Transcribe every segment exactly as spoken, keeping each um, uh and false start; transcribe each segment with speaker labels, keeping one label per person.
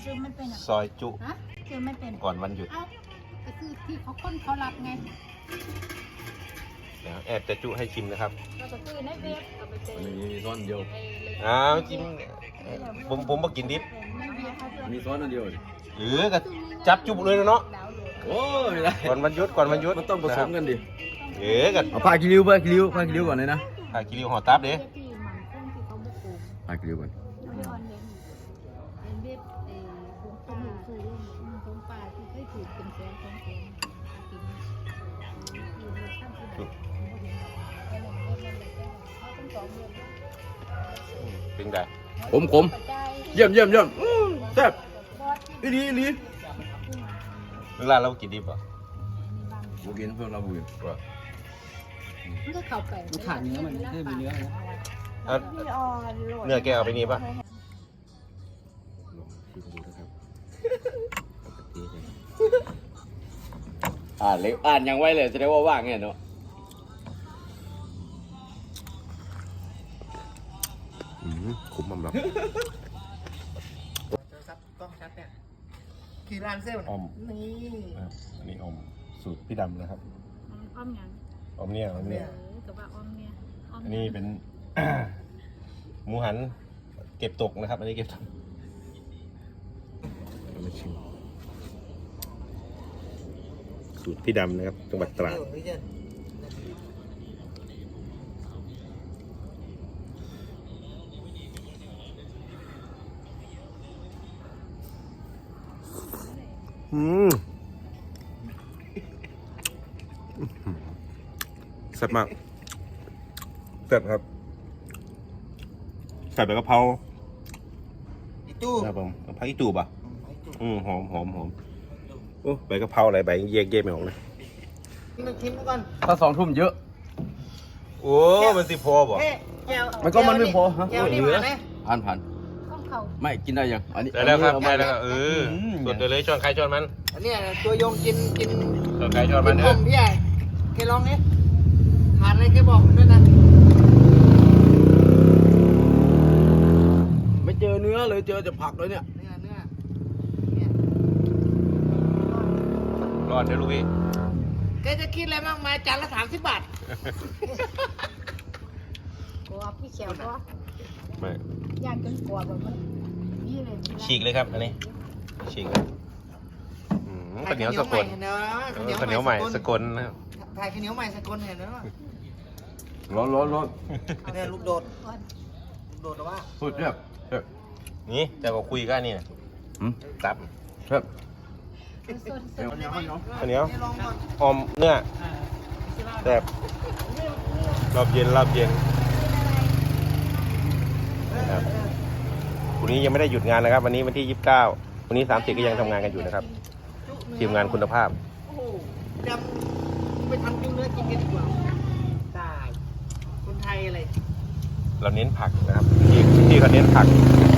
Speaker 1: ซื้อไม่เป็นอ่ะ
Speaker 2: ซอยจุ
Speaker 1: ฮะซื้อไม่เป็น
Speaker 2: ก่อนวันหยุด
Speaker 1: เอ้าก็คือที่เขาค้นเขารับไง
Speaker 2: เดี๋ยวแอบจะจุให้ชิมนะครับ
Speaker 1: เราก็ซื้อในเว็บเอาไปเป็น
Speaker 3: มีมีซ้อนเดียว
Speaker 2: อ้าวจิ้มผมผมมากินดิบ
Speaker 1: ในเว็บเขาจะ
Speaker 3: มีซ้อนอันเดียว
Speaker 2: หรือก็จับจุเลยเนาะ
Speaker 1: ดาวน์โหลด
Speaker 3: โอ้ไม่ได้
Speaker 2: ก่อนวันหยุดก่อนวันหยุด
Speaker 3: มันต้องผสมกันดิ
Speaker 2: เอ๋กัน
Speaker 3: เอาผ้ากิริ้วผ้ากิริ้วผ้ากิริ้วก่อนเลยนะ
Speaker 2: ถ้ากิริวห่อตับเด้
Speaker 1: ที่มันคงที่เขาบุกโกง
Speaker 3: ผ้ากิริ้วก่อน
Speaker 1: เอาไปออนเลยเป็นเว็บเอ่อของคนหนึ่งคือเรื่องของป่าที่เคยถูกเป็นแสนของแสนกินอยู่ในข้างที่แบบเขาต้องสองเดือน
Speaker 2: เป็นไง
Speaker 3: ขมขมเยี่ยมเยี่ยมเยี่ยมแซ่บอีดีอีดี
Speaker 2: เวลาเรากินดิบอ่ะ
Speaker 3: บุกินเพื่อนเราบุกิน
Speaker 1: มันก็เข้าไป
Speaker 4: มันขาดเนื้อมันไม่มีเนื้อนะ
Speaker 2: เอาเนื้อแกเอาไปนี่ป่ะ
Speaker 3: อ่านเล็กอ่านยังไว้เลยจะได้ว่าว่างไงเนาะ
Speaker 2: คุ้มมั่มหรอ
Speaker 4: ซับกล้องชัดเนี่ยกี่ร้านเซลล์
Speaker 2: อม
Speaker 4: นี่
Speaker 2: อันนี้อมสูตรพี่ดำนะครับ
Speaker 1: อ้อมยัง
Speaker 2: อมเนี่ยอมเนี่ย
Speaker 1: เออกับว่าอ้อมเนี่ยอ้อม
Speaker 2: อันนี้เป็น หมูหันเก็บตกนะครับ อันนี้เก็บตกมาชิมสูตรพี่ดำนะครับจังหวัดตราดอืมแซ่บมากแซ่บครับใส่ใบกะเพรา
Speaker 4: อีตู้
Speaker 2: ครับผมกะเพราอีตูบอ่ะอืมหอมหอมหอมโอ้ใบกะเพราอะไรใบแยกแยกไม่ออกเลย
Speaker 4: นึกทิ้งก่อน
Speaker 3: ถ้าสองทุ่มเยอะ
Speaker 2: โอ้มันสิพอบ่
Speaker 4: เฮ้แก้ว
Speaker 3: มันก็มันไม่พอฮะ
Speaker 4: แก้วนี่มาไหม
Speaker 3: ผ่านผ่าน
Speaker 1: ข้องเขา
Speaker 3: ไม่กินได้ยังอันนี้
Speaker 2: ได้แล้วครับ
Speaker 3: อัน
Speaker 2: ได้
Speaker 3: นี้
Speaker 2: แล้วครับเออส่วนเดียวเลยช้อนใครช้อนมัน
Speaker 4: อันเนี้ยตัวโยงกินกิน
Speaker 2: ช้อนใครช้อนมัน
Speaker 4: ผ
Speaker 2: เด้อ
Speaker 4: มพี่ใหญ่แกลองนี่ขาดอะไรแกบอกผมด้วยนะ
Speaker 3: ไม่เจอเนื้อเลยเจอแต่ผักเลยเนี่ย
Speaker 4: เนื้อเนื้อเนี่ย
Speaker 2: รอดเดี๋ยวลูกพี่
Speaker 4: แกจะคิดอะไรมากมายจานละสามสิบบาท
Speaker 1: กลัวพี่เขียวก็
Speaker 2: ไม่
Speaker 1: ยากจนกลัวแบบมันนี่เลย
Speaker 2: ฉีกเลยครับอันนี้ฉีกเลยอืมข้าวเหนียวสกล
Speaker 4: เห็นไหม
Speaker 2: เออข้าวเหนียวใหม่สกลนะครับ
Speaker 4: ถ่ายข้าวเหนียวใหม่สกลเห็นไหมว่า
Speaker 3: ร้อนร้อนร้อน
Speaker 4: เนี่ยลูกโดดลูกโดดหรือว่า
Speaker 3: สุดแซ่บแซ่บ
Speaker 2: นี่แต่ก็คุยกันนี่นะ
Speaker 3: หืม
Speaker 2: ตับ
Speaker 3: แซ่บ
Speaker 1: ส่วน
Speaker 3: เดี๋ยวเดี๋ยวเดี๋ยว
Speaker 2: ข้าวเหนียว
Speaker 4: นี่ลองก่อน
Speaker 2: อมเนื้อแบบรอบเย็นรอบเย็นนะครับวันนี้ยังไม่ได้หยุดงานนะครับ วันนี้วันที่ยี่สิบเก้าวันนี้สามสิบก็ยังทำงานกันอยู่นะครับทีมงานคุณภาพ
Speaker 4: โอ้โหจำไปทำกินเนื้อกินกันดีกว่าตายคนไทยอะไร
Speaker 2: เราเน้นผักนะครับที่ที่เขาเน้นผัก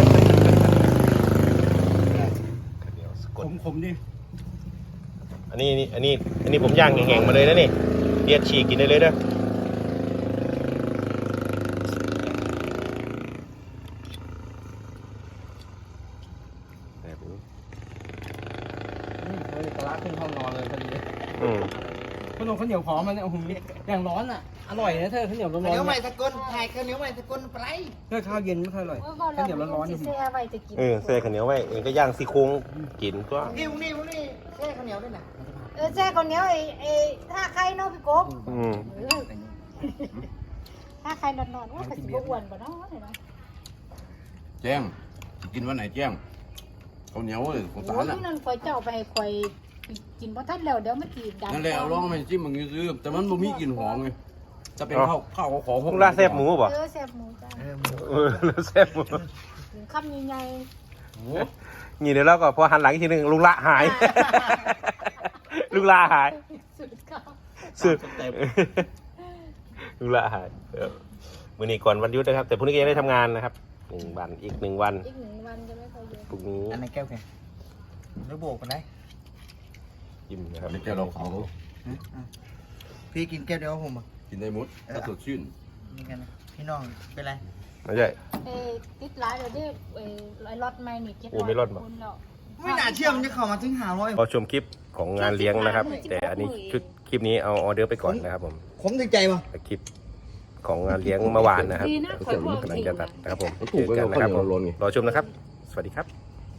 Speaker 2: ข้าวเหนียวสก
Speaker 3: ข
Speaker 2: ล
Speaker 3: มขมดิ
Speaker 2: อันนี้นี่อันนี้อันนี้ผมย่างแห้งๆมาเลยนะนี่เรียดฉีกกินได้เลยนะแบบนี้
Speaker 4: เฮ้ยปลาขึ้นห้องนอนเลยพอดี
Speaker 2: อืม
Speaker 4: ขนมข้าวเหนียวหอมมันเนี่ยโอ้โหอย่างร้อนอ่ะ อร่อยนะเธอข้าวเหนียวร้อนๆ
Speaker 5: ข้าวเหนียวใหม่
Speaker 4: เนี่ย
Speaker 5: สกลถ่ายข้าวเหนียวใหม่สกลไปไร
Speaker 4: เธอข้าวเย็นไม่ค่อยอร่อยข้าวเหนียวร้อนๆนี่
Speaker 1: เสียไว้จะกิน
Speaker 2: เออเส้ข้าวเหนียวไว้เองก็ย่างซี่โครงกินก็
Speaker 5: นี่นี่นี่แช่ข้าวเหนียวด้วยนะ
Speaker 1: เออแซ่คนเนี้ยไอ้ไอ้ถ้าใครเนาะพี่กบ
Speaker 2: อืม
Speaker 1: เออถ้าใครนอนนอนว่าก็สิบ่อ้วนบ่เนาะเนี่ยนะ
Speaker 3: แจ้งกินวันไหนแจ้งข้าวเหนียวเลยของ
Speaker 1: โอ้
Speaker 3: สาย รน่ะ
Speaker 1: นั่นคอยเจ้าไปให้คอยกินบ่ทันแล้วเดี๋ยวมันสิดัง
Speaker 3: นั่นแหละเอาลองมาจิ้มมึงซื้อแต่มันบ่มีกลิ่นหอมไงจะเป็นข้าวข้าวของ
Speaker 2: พวกลาบแซ่บหมูป่ะ
Speaker 1: เออแซ่บหมูจ้า
Speaker 2: เออลาบแซ่บหมู
Speaker 1: ถึงคำใหญ่
Speaker 2: นี่เดี๋ยวเราก็พอหันหลังอีกทีหนึงลุงละหาย ลุงละหาย
Speaker 1: ๆสุดเขา
Speaker 2: สุดลุงละหายเออมื้อนี้ก่อนวันหยุดนะครับ แต่พรุ่งนี้ก็ยังได้ทำงานนะครับหนึ่งวันอีกหนึ่งวัน
Speaker 1: อีกหนึ่งวันจะไม่ค่อยเยอะ
Speaker 2: พรุ่งนี้
Speaker 4: อันไหนแก้วแกแล้วโบกกันได้
Speaker 2: ยิ้มนะครับ
Speaker 3: ไม่แก้วเราเขา
Speaker 4: พี่กินแก้วเดียวผมอ่ะ
Speaker 3: กินได้หมดถ้าสดชื่น
Speaker 4: นี่กันนะพี่น้องเป็นไร
Speaker 2: ไม่ใช่
Speaker 1: เอ้ติดหลายเดี๋ยวนี้เอ้ไอ้รถใหม่นี่เจ็ด
Speaker 2: โอ้ไม่รอดบ่
Speaker 1: คนแล้ว
Speaker 4: ไม่น่าเชื่อมันจะเข้ามาถึงหาร้อย
Speaker 2: รอชมคลิปของงานเลี้ยงนะครับ แต่อันนี้ชุดคลิปนี้เอาออเดอร์ไปก่อนนะครับผม
Speaker 4: ผมถึงใจป่ะ
Speaker 2: คลิปของงานเลี้ยงเมื่อวานนะครับ
Speaker 1: ดีนะขอบอก
Speaker 2: กำลัง
Speaker 1: จริง
Speaker 2: จะตัดนะครับผมเจอกันนะครับผมรอชมนะครับ สวัสดีครับ